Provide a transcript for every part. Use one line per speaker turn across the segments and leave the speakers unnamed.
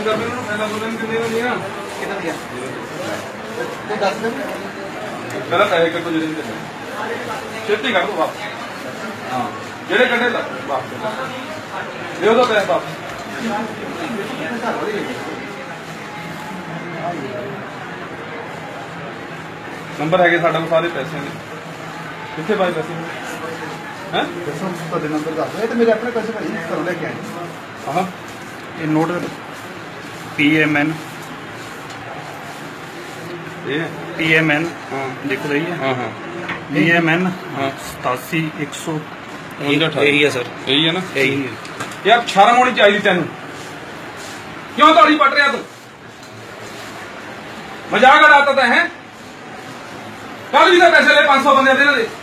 Phone कर देना पहला बोलने कितने का दिया
कितना दिया तो 10 दिन
गलत है एक तो जल्दी कर छेती कर दो वापस हां जेड़े कटे ला वापस दे दो पैसा वापस नंबर है साढ़े को सारे पैसे ने कितने पाए पैसे हैं
ਤੁਹਾਡੇ ਨੰਬਰ ਦੱਸ ਦਿਓ। ਇਹ ਤਾਂ ਮੇਰੇ ਆਪਣੇ ਪੈਸੇ ਭਾਈ ਘਰੋਂ ਲੈ ਕੇ ਆਏ
हाँ
ਇਹ ਨੋਟ PMN
ये
PMN
हाँ
ਲਿਖ ਰਹੀ ਹੈ
हाँ हाँ
PMN
हाँ
87100
यही
है सर
यही है ना
यही है
यार शर्म होनी चाहिए तेन क्यों ताड़ी पट रहा तू मजाक उड़ाता था है कल भी तो पैसे ले 500 बंदे दे दे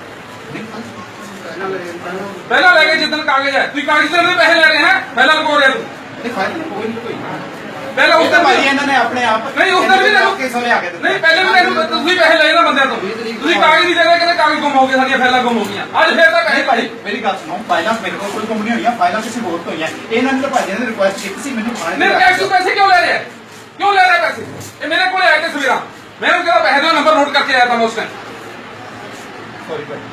पहला लेके जितने कागज है तू कागज से पैसे ले रहे हैं पहला को रहे तू
ਨਹੀਂ ਫਾਇਦਾ ਕੋਈ ਨਹੀਂ ਕੋਈ
पहला उस दिन
ਭਾਈ
भी
ਇਹਨਾਂ ਨੇ ਆਪਣੇ ਆਪ
नहीं उस दिन भी तेनू
ਕੇ ਸਮੇਂ ਆ ਕੇ
नहीं पहले भी तेनू तुसी पैसे ले ना बंदे तो तुसी कागज नहीं दे रहे कहते कागज गुम हो गए साडियां फाइलां गुम हो गईਆਂ ਅੱਜ ਫੇਰ ਤਾਂ ਪੈਸੇ
ਭਾਈ ਮੇਰੀ ਗੱਲ ਸੁਣੋ ਫਾਈਲਾਂ ਮੇਰੇ ਕੋਲ ਕੋਈ ਕੰਪਨੀ ਹੋਈਆਂ ਫਾਈਲਾਂ ਕਿਸੇ ਹੋਰ ਤੋਂ ਹੋਈਆਂ ਇਹਨਾਂ ਨੇ ਤਾਂ ਭਾਈ ਨੇ ਰਿਕੁਐਸਟ ਕੀਤੀ ਸੀ ਮੈਨੂੰ ਥਾਣੇ
नहीं टैक्स पैसे क्यों ले रहे हैं क्यों ले रहे हैं पैसे ये मेरे को आए थे सवेरा मैंने कहा पैसे दो नंबर नोट करके आया था मैं उस टाइम
ਸੌਰੀ ਭਾਈ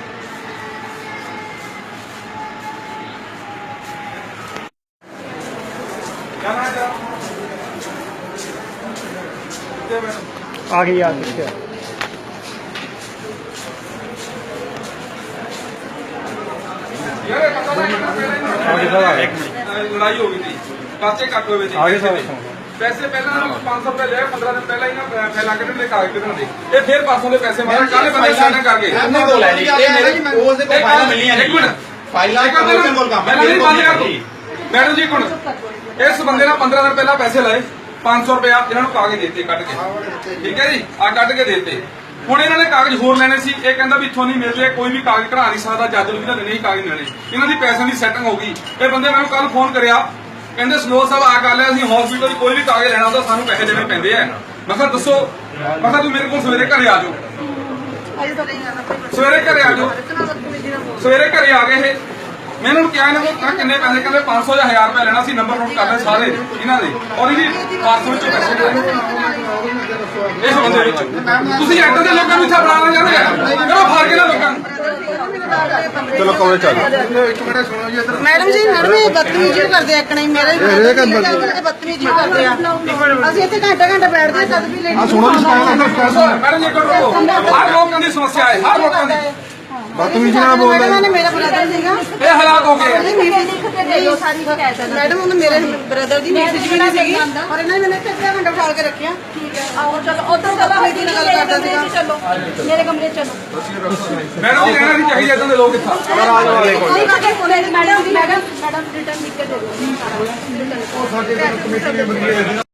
आ गई यार क्या
लड़ाई हो गई थी पर्चे कट हुए थे
आगे सर
पैसे पहले 500 रुपए ले 15 दिन पहले ही ना फैला के ले कागज कितना दे ये फिर पासों के पैसे मारे काले बंदे साइन करके
ਇਹਨੇ ਕੋਲ ਹੈ ਜੀ ਇਹ ਮੇਰੇ ਉਸ ਦੇ ਕੋਲ ਫਾਈਲਾਂ ਮਿਲੀਆਂ
एक मिनट
ਫਾਈਲਾਂ ਕੋਲ ਕੋਲ ਕੰਮ
मैं नहीं बात कर मैडम जी कौन इस बंदे ने 15 दिन पहले पैसे लाए 500 रुपया इन्होंने कागज देते कट के ठीक है जी आ कट के देते ਹੁਣ ਇਹਨਾਂ ਨੇ ਕਾਗਜ਼ ਹੋਰ ਲੈਣੇ ਸੀ ਇਹ ਕਹਿੰਦਾ ਵੀ ਇੱਥੋਂ ਨਹੀਂ ਮਿਲਦੇ ਕੋਈ ਵੀ ਕਾਗਜ਼ ਕਢਾ ਨਹੀਂ ਸਕਦਾ ਜੱਜ ਨੂੰ ਵੀ ਤਾਂ ਨਹੀਂ ਕਾਗਜ਼ ਲੈਣੇ ਇਹਨਾਂ ਦੀ ਪੈਸਿਆਂ ਦੀ ਸੈਟਿੰਗ ਹੋ ਗਈ ਇਹ ਬੰਦੇ ਮੈਨੂੰ ਕੱਲ ਫੋਨ ਕਰਿਆ ਕਹਿੰਦੇ ਸਨੋਰ ਸਾਹਿਬ ਆ ਕਰ ਲਿਆ ਅਸੀਂ ਹਸਪੀਟਲ ਕੋਈ ਵੀ ਕਾਗਜ਼ ਲੈਣਾ ਹੁੰਦਾ ਸਾਨੂੰ ਪੈਸੇ ਦੇਣੇ ਪੈਂਦੇ ਆ ਮੈਂ ਕਿਹਾ ਦੱਸੋ ਮੈਂ ਕਿਹਾ ਤੂੰ ਮੇਰੇ ਕੋਲ ਸਵੇਰੇ ਘਰੇ ਆ ਜਾਓ ਸਵੇਰੇ ਘਰੇ ਆ ਜਾਓ ਸਵੇਰੇ ਘਰੇ ਆ ਗਏ ਇਹ ਮੈਂ ਇਹਨਾਂ ਨੂੰ ਕਿਹਾ ਇਹਨਾਂ ਨੂੰ ਕਿੰਨੇ ਪੈਸੇ ਕਹਿੰਦੇ 500 ਜਾਂ 1000 ਰੁਪਏ ਲੈਣਾ ਸੀ ਨੰਬਰ ਨੋਟ ਕਰ ਲੈ ਸਾਰੇ ਇਹਨਾਂ ਦੇ ਔਰ ਇਹਦੀ ਪਾਸਪੋਰਟ ਵਿੱਚੋਂ ਪੈਸੇ ਦੇ ਇਸ ਬੰਦੇ ਵਿੱਚ ਤੁਸੀਂ ਐਦਾਂ ਦੇ ਲੋਕਾਂ ਨੂੰ ਇੱਥੇ ਬਣਾਉਣਾ ਚਾਹੁੰਦੇ ਆ ਚਲੋ ਫੜ ਕੇ ਨਾ ਲੋਕਾਂ ਨੂੰ ਚਲੋ ਕਮਰੇ ਚੱਲ
ਇੱਕ ਮਿੰਟ ਸੁਣੋ ਜੀ ਇੱਧਰ
मैडम जी मैडम ये बदतमीजी करते हैं नहीं मेरा ही बदतमीजी करते हैं ਅਸੀਂ ਇੱਥੇ ਘੰਟਾ ਘੰਟਾ ਬੈਠਦੇ ਹਾਂ ਤਦ ਵੀ ਲੇਡੀ
ਸੁਣੋ ਜੀ
ਮੈਡਮ ਜੀ ਕਰੋ ਹਰ ਲੋਕਾਂ ਦੀ ਸਮੱਸਿਆ ਹੈ ਹਰ ਲੋਕਾਂ ਦੀ
ਬਦਤਮੀਜੀ ਨਾਲ ਬੋਲਦਾ
ਮੈਡਮ ਨੇ ਮੇਰਾ ਬ੍ਰਦਰ ਸੀਗਾ
ਇਹ ਹਾਲਾਤ ਹੋ ਗਏ
ਮੈਡਮ ਉਹਨੇ ਮੇਰੇ ਬ੍ਰਦਰ ਦੀ ਮੈਸੇਜ ਵੀ ਨਹੀਂ ਸੀਗੀ ਔਰ ਇਹਨਾਂ ਨੇ ਮੈਨੂੰ ਇੱਥੇ ਅੱਧਾ ਘੰਟਾ ਬਿਠਾ ਕੇ ਰੱਖਿਆ ਠੀਕ ਹੈ ਆਓ ਚਲੋ ਉਧਰ ਚਲੋ ਮੇਰੀ ਨਾਲ ਕਰਦਾ ਸੀਗਾ ਚਲੋ ਮੇਰੇ ਕਮਰੇ ਚਲੋ
ਮੈਡਮ ਜੀ ਕਹਿਣਾ ਨਹੀਂ ਚਾਹੀਦਾ ਇਦਾਂ ਦੇ ਲੋਕ ਇੱਥੇ
ਮੈਡਮ ਰਿਟਰਨ ਲਿਖ ਕੇ ਦੇ ਦਿਓ
ਸਾਡੇ ਕਮੇਟੀ ਦੇ ਬੰਦੇ